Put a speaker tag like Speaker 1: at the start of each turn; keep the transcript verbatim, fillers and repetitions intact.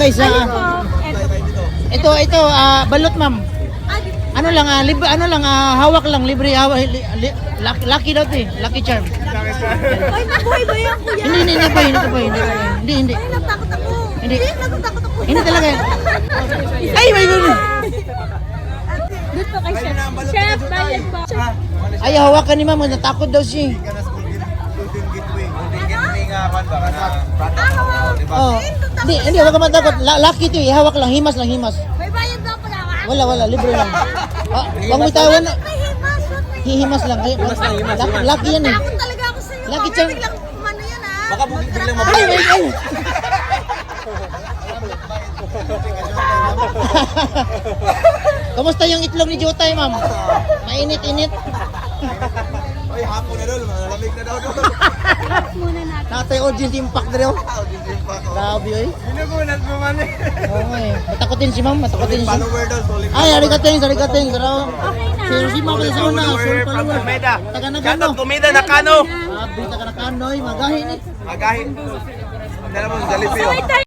Speaker 1: guys,
Speaker 2: Ano
Speaker 1: ah,
Speaker 2: po?
Speaker 1: ito
Speaker 2: Eto.
Speaker 1: ito ah, balot ma'am.
Speaker 2: Ah,
Speaker 1: Ano lang ah, libre ano lang ah, hawak lang, libre hawak. Li, li, lucky, lucky daw 'to eh, lucky charm.
Speaker 2: Ay, nabuhay ba yan, kuya?
Speaker 1: Hindi hindi hindi po, hindi po, hindi po. Hindi hindi.
Speaker 2: Ay, natakot ako.
Speaker 1: Hindi.
Speaker 2: Natatakot ako.
Speaker 1: Hindi talaga. Ay, my God.
Speaker 2: Dito kay Chef. Chef, bayad po.
Speaker 1: Ay, hawakan ni ma'am, natakot daw siya. Oh. Hindi, hindi wag ka matakot. La- Lucky 'to eh, hawak lang, himas lang, himas.
Speaker 2: May bayad daw pala.
Speaker 1: Wala wala, libre lang. Ah, wag mo itawan na.
Speaker 2: May himas. What may
Speaker 1: Hihimas lang. Ay, lucky, lucky yan eh.
Speaker 2: Takot talaga ako sa'yo.
Speaker 1: Lucky
Speaker 2: Mamaya
Speaker 1: charm.
Speaker 2: biglang kumano yan, ha?
Speaker 3: Baka biglang
Speaker 1: Ay,
Speaker 3: mabalik.
Speaker 1: ay, ay. Kamusta yung itlog ni Jotay, ma'am? Mainit-init.
Speaker 3: Ay, hapon na doon. Malamig na daw doon.
Speaker 2: Muna natin.
Speaker 1: Natay audience impact na rin. Grabe, oy.
Speaker 3: Binugunan mo man eh.
Speaker 1: Oo nga eh. Matakotin si ma'am, matakotin si
Speaker 3: Follower daw. solid
Speaker 1: Ay, arigating, arigating. Pero,
Speaker 2: Okay na.
Speaker 1: sir, si ma'am sa una. Sir,
Speaker 3: Follower from
Speaker 1: follower.
Speaker 3: Tumeda.
Speaker 1: Taga na
Speaker 3: Shoutout
Speaker 1: gano.
Speaker 3: Tumeda na kano.
Speaker 1: Grabe, taga na kanoy. Magahin eh.
Speaker 3: Magahin. Ang dala mo sa Jollibee.
Speaker 2: So, ito